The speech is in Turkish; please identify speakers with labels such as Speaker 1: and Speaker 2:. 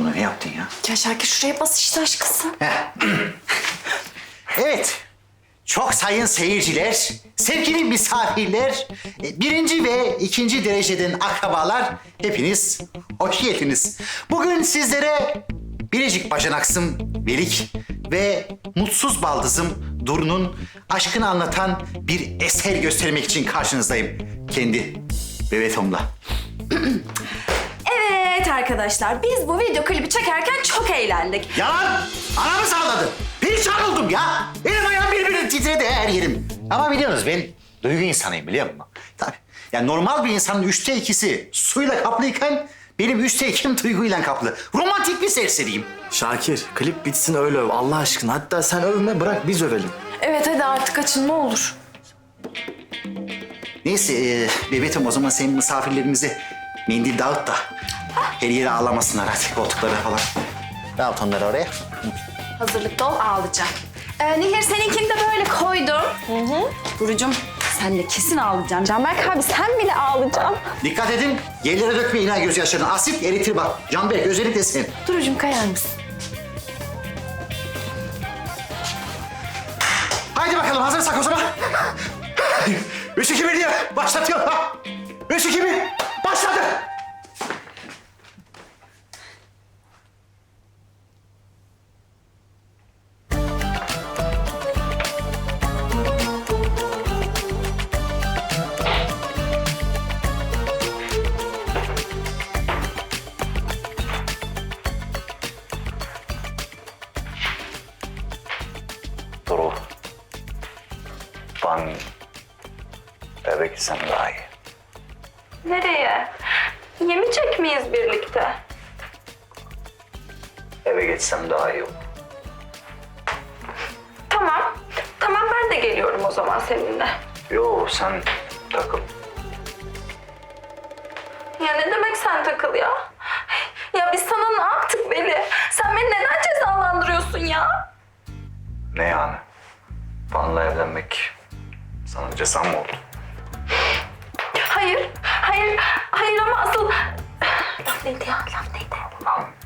Speaker 1: Buna ne yaptın ya?
Speaker 2: Ya Şakir şuraya bas işte aşkısı.
Speaker 1: Evet. Çok sayın seyirciler, sevgili misafirler, birinci ve ikinci dereceden akrabalar, hepiniz hoş geldiniz. Bugün sizlere biricik bacanaksım Velik ve mutsuz baldızım Duru'nun aşkını anlatan bir eser göstermek için karşınızdayım. Kendi Bebetom'la.
Speaker 2: Evet arkadaşlar biz bu video klibi çekerken çok eğlendik.
Speaker 1: Yalan! Anamı sağladı. Perişan oldum ya. Elim ayağım birbirine titredi her yerim. Ama biliyorsunuz ben duygu insanıyım biliyor musun? Tabii. Yani normal bir insanın 2/3 suyla kaplıyken benim 2/3 duyguyla kaplı. Romantik bir serseriyim.
Speaker 3: Şakir, klip bitsin öyle öv Allah aşkına. Hatta sen övme bırak biz övelim.
Speaker 2: Evet hadi artık açın ne olur.
Speaker 1: Neyse bebeğim o zaman senin misafirlerimize mendil dağıt da her yere ağlamasınlar hadi koltuklara falan. Dağıt onları oraya.
Speaker 2: Hazırlıkta ol ağlayacağım. Nihir seninkini de böyle koydum. Duru'cum sen de kesin ağlayacaksın. Canberk abi sen bile ağlayacaksın.
Speaker 1: Dikkat edin yerlere dökmeyin ha gözyaşlarını. Asit eritir bak. Canberk özellikle sen.
Speaker 2: Duru'cum kayar mısın?
Speaker 1: Haydi bakalım hazırsak o zaman. 3, 2, 1 diye başlatıyorum. 3, 2, 1 başladı.
Speaker 4: Duru. Ben eve gitsem daha iyi.
Speaker 5: Nereye? Yemeyecek miyiz birlikte?
Speaker 4: Eve geçsem daha iyi olur.
Speaker 5: Tamam. Tamam ben de geliyorum o zaman seninle.
Speaker 4: Yo sen takıl.
Speaker 5: Ya ne demek sen takıl ya? Ya biz sana ne yaptık Veli? Sen beni neden cezalandırıyorsun ya?
Speaker 4: Ne yani? Benle evlenmek sana ceza mı oldu?
Speaker 5: Hayır ama asıl... Laf neydi ya? Laf neydi?